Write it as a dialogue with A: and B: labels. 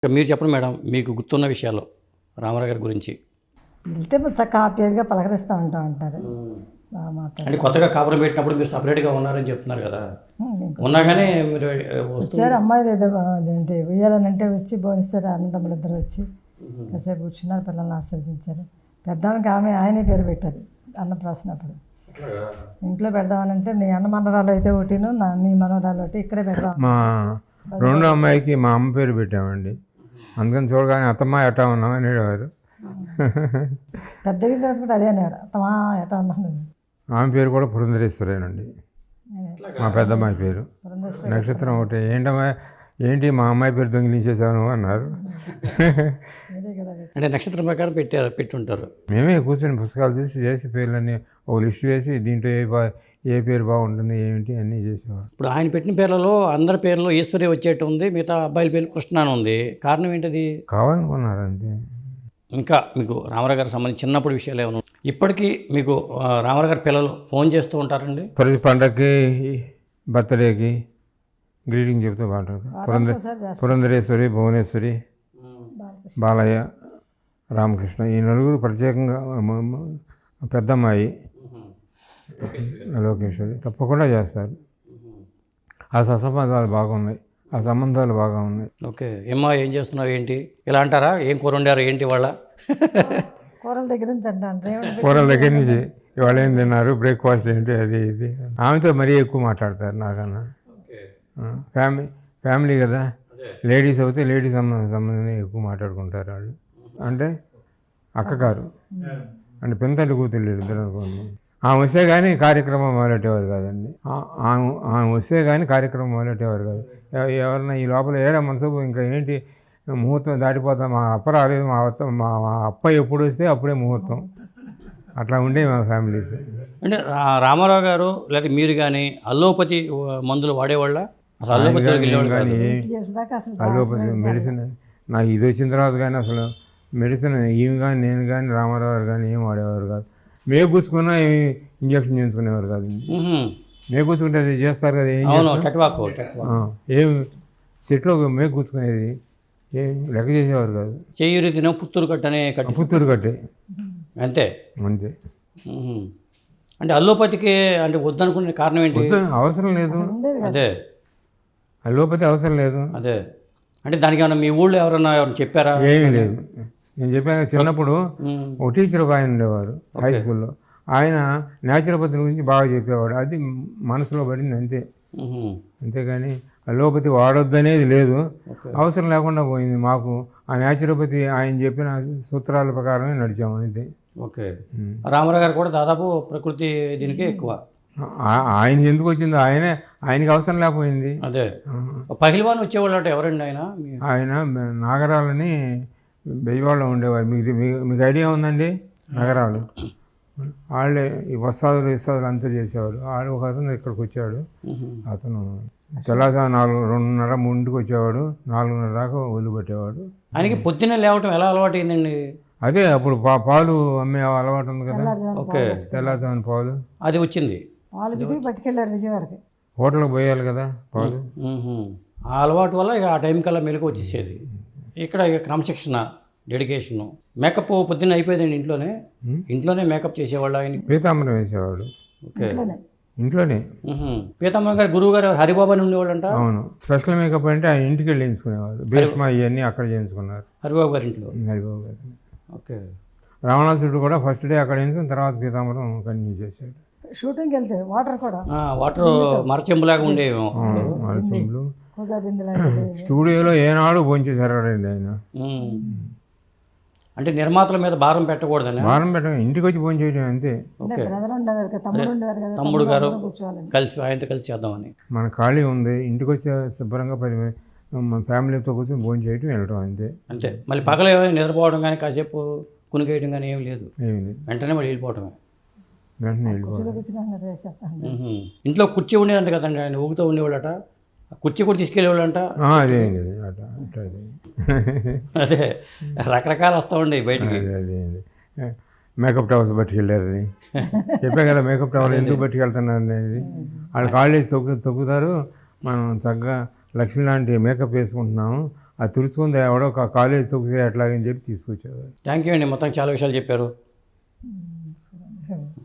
A: మీరు చెప్పండి మేడం, మీకు గుర్తున్న విషయాలు రామారావు గారి గురించి.
B: వెళ్తే చక్కగా హ్యాపీగా పలకరిస్తూ ఉంటారు. బాగా
A: అంటే
B: మాట్లాడారు.
A: కొత్తగా కాపురం పెట్టినప్పుడు మీరు సపరేట్గా ఉన్నారని చెప్తున్నారు కదా, ఉన్నాగానే మీరు
B: వచ్చారు అమ్మాయి ఏదో అదేంటి ఉయ్యాలనంటే వచ్చి భోజనిస్తారు. అన్నదమ్ములు ఇద్దరు వచ్చి కాసేపు కూర్చున్నారు, పిల్లల్ని ఆశీర్వదించారు. పెద్దానికి ఆయనే పేరు పెట్టారు అన్నప్రాసనప్పుడు. ఇంట్లో పెడదామనంటే నీ అన్న మనరాలు అయితే ఒకటిను నీ మనవరాలు ఒకటి ఇక్కడే పెడదాం.
C: మా రెండో అమ్మాయికి మా అమ్మ పేరు పెట్టామండి. అందుకని చూడగానే అత్తమ్మ ఎట్టా ఉన్నాం అనేవారు.
B: పెద్దగా కూడా అదే అనేవారు, అత్తమా ఎటా ఉన్నాను.
C: ఆమె పేరు కూడా పురంధరేశ్వరేనండి, మా పెద్దమ్మాయి పేరు.
B: పురంధేశ్వరి
C: నక్షత్రం ఒకటి. ఏంటమ్మా ఏంటి మా అమ్మాయి పేరు దొంగిలించేసాను అన్నారు.
B: మీరే కదా
A: అంటే నక్షత్రం ప్రకారం పెట్టుంటారు.
C: మేమే కూర్చొని పుస్తకాలు చూసి చేసి పేర్లన్నీ ఒక లిస్ట్ వేసి దీంట్లో ఏ పేరు బాగుంటుంది ఏమిటి అన్నీ చేసేవారు.
A: ఇప్పుడు ఆయన పెట్టిన పేర్లలో అందరి పేర్లో ఈశ్వరి వచ్చేట్టు ఉంది, మిగతా అబ్బాయిల పేరు కృష్ణ అని ఉంది. కారణం ఏంటిది?
C: కావాలనుకున్నారు అంతే.
A: ఇంకా మీకు రామారావు గారికి సంబంధించి చిన్నప్పుడు విషయాలు ఏమైనా ఇప్పటికీ మీకు రామారావు గారి పిల్లలు ఫోన్ చేస్తూ ఉంటారండి?
C: ప్రతి పండగకి బర్త్డేకి గ్రీటింగ్ చెప్తూ బాగుంటుంది. పురంధరేశ్వరి, భువనేశ్వరి, బాలయ్య, రామకృష్ణ ఈ నలుగురు ప్రత్యేకంగా పెద్దమ్మాయి లోకేశ్వరి తప్పకుండా చేస్తారు. ఆ సత్సంబంధాలు బాగున్నాయి, ఆ సంబంధాలు బాగా ఉన్నాయి.
A: ఓకే. ఏమ్మా ఏం చేస్తున్నావు ఏంటి ఇలా అంటారా? ఏం కూర వండారు ఏంటి వాళ్ళ?
B: కూరల దగ్గర నుంచి అంటాను.
C: కూరల దగ్గర నుంచి ఇవాళ ఏం తిన్నారు, బ్రేక్ఫాస్ట్ ఏంటి, అది ఇది. ఆమెతో మరీ ఎక్కువ మాట్లాడతారు నాకన్నా. ఫ్యామిలీ కదా, లేడీస్ అయితే లేడీస్ సంబంధం ఎక్కువ మాట్లాడుకుంటారు వాళ్ళు. అంటే అక్కగారు అంటే పెంతల్లి కూతుళ్ళు ఇద్దరు అనుకోండి. ఆమె వస్తే కానీ కార్యక్రమం మొదలెట్టేవారు కాదండి. ఆమె వస్తే కానీ కార్యక్రమం మొదలెట్టేవారు కాదు. ఎవరన్నా ఈ లోపల ఏడా మనసు ఇంకా ఏంటి ముహూర్తం దాటిపోతాం, మా అప్ప రాలేదు, మా అప్ప ఎప్పుడు వస్తే అప్పుడే ముహూర్తం. అట్లా ఉండే మా ఫ్యామిలీస్.
A: అంటే రామారావు గారు లేదా మీరు కానీ అల్లోపతి మందులు వాడేవాళ్ళ? అసలు అల్లోపతి
C: కానీ అలోపతి మెడిసిన్ నాకు ఇది వచ్చిన తర్వాత కానీ అసలు మెడిసిన్ ఈమె కానీ నేను కానీ రామారావు గారు కానీ ఏం వాడేవారు కాదు. మేగుచ్చుకున్నా ఇంజక్షన్ చేయించుకునేవారు కాదు. మేగుచ్చుకుంటే అది చేస్తారు కదా, ఏం చెట్లో మేగుచ్చుకునేది ఏం లెక్క చేసేవారు కాదు.
A: చెయ్యూరి తిన పుత్తూరు కట్టనే
C: పుత్తూరు కట్టే
A: అంతే
C: అంతే.
A: అంటే అల్లోపతికి అంటే వద్దనుకునే కారణం ఏంటి?
C: అవసరం లేదు.
A: అదే
C: అల్లోపతి అవసరం లేదు.
A: అదే అంటే దానికి ఏమన్నా మీ ఊళ్ళో ఎవరైనా చెప్పారా?
C: ఏమీ లేదు. నేను చెప్పాను చిన్నప్పుడు ఒక టీచర్ ఒక ఆయన ఉండేవారు హై స్కూల్లో. ఆయన న్యాచురోపతి గురించి బాగా చెప్పేవాడు. అది మనసులో పడింది అంతే. అంతేగాని అల్లోపతి వాడొద్దనేది లేదు, అవసరం లేకుండా పోయింది. మాకు ఆ న్యాచురోపతి ఆయన చెప్పిన సూత్రాల ప్రకారమే నడిచాము అంతే.
A: ఓకే. రామారావు గారు కూడా దాదాపు ప్రకృతి దీనికే ఎక్కువ.
C: ఆయన ఎందుకు వచ్చిందో ఆయనకి అవసరం లేకపోయింది.
A: అదే పహిల్వాన్ వచ్చేవాళ్ళు అంటే ఎవరండి
C: ఆయన నాగరాలని బెజవాడలో ఉండేవారు. మీకు ఐడియా ఉందండి? నగరాలు వాళ్ళే ఈ వస్తాదులు అంతా చేసేవాడు. వాళ్ళు ఒక అతను ఇక్కడికి వచ్చాడు. అతను తెల్లవారు 2:30, 3కి వచ్చేవాడు. 4:30 దాకా వదిలిపెట్టేవాడు.
A: ఆయనకి పొద్దున్నే లేవటం ఎలా అలవాటు అయిందండి?
C: అదే అప్పుడు పాలు అమ్మే అలవాటు ఉంది కదా.
A: ఓకే.
C: తెల్లవారు పాలు
A: అది వచ్చింది.
B: పట్టుకెళ్ళారు విజయవాడకి,
C: హోటల్కి పోయాలి కదా పాలు.
A: ఆ అలవాటు వల్ల ఇక ఆ టైం కల్లా మెలకు వచ్చేసేది. ఇక్కడ క్రమశిక్షణ, డెడికేషను. మేకప్ పొద్దున్న అయిపోయిందండి ఇంట్లోనే మేకప్ చేసేవాళ్ళు. ఆయన
C: పీతాంబరం వేసేవాడు.
A: ఓకే.
C: ఇంట్లోనే.
A: పీతాంబరం గారు గురువు గారు హరిబాబు అని ఉండేవాళ్ళు అంట.
C: అవును. స్పెషల్ మేకప్ అంటే ఆయన ఇంటికి వెళ్ళి చేయించుకునేవారు. భీష్మ ఇవన్నీ అక్కడ చేయించుకున్నారు
A: హరిబాబు గారి ఇంట్లో.
C: హరిబాబు గారు.
A: ఓకే.
C: రావణాసురుడు కూడా ఫస్ట్ డే అక్కడ చేయించుకుని తర్వాత పీతాంబరం కంటిన్యూ చేశాడు.
B: షూటింగ్కి వెళ్తారు.
A: వాటర్ మరచెంబులాగా ఉండేవి.
C: మరచెంబులు స్టూడియోలో ఏనాడు భోంచేశారు ఆయన.
A: అంటే నిర్మాతల మీద భారం పెట్టకూడదని.
C: భారం పెట్ట ఇంటికి వచ్చి భోంచేయడం అంతే.
A: తమ్ముడు గారు కలిసి ఆయనతో కలిసి చేద్దామని.
C: మన ఖాళీ ఉంది, ఇంటికి వచ్చి శుభ్రంగా మన ఫ్యామిలీతో కూర్చొని భోంచేయటం వెళ్ళటం అంతే.
A: అంతే. మళ్ళీ పగల నిద్రపోవడం కానీ కాసేపు కునికేయడం కానీ ఏమి లేదు. వెంటనే మళ్ళీ వెళ్ళిపోవటమే. ఇంట్లో కుర్చీ ఉండేదంట కదండి, ఆయన ఊగుతూ ఉండేవాళ్ళట. కుర్చీ కూడా తీసుకెళ్ళేవాళ్ళంట. అదే రకరకాలు వస్తూ ఉండేవి బయటికి.
C: మేకప్ టవర్స్ పట్టుకెళ్ళారని చెప్పా కదా. మేకప్ టవర్ ఎందుకు పట్టుకెళ్తున్నారు అనేది వాళ్ళు కాలేజ్ తొక్కుతారు. మనం చక్కగా లక్ష్మి లాంటి మేకప్ వేసుకుంటున్నాము, అది తుడుచుకుంది ఎవడో ఒక కాలేజ్ తొక్కితే ఎట్లాగని చెప్పి తీసుకొచ్చేవారు.
A: థ్యాంక్ యూ అండి, మొత్తం చాలా విషయాలు చెప్పారు.
B: సరే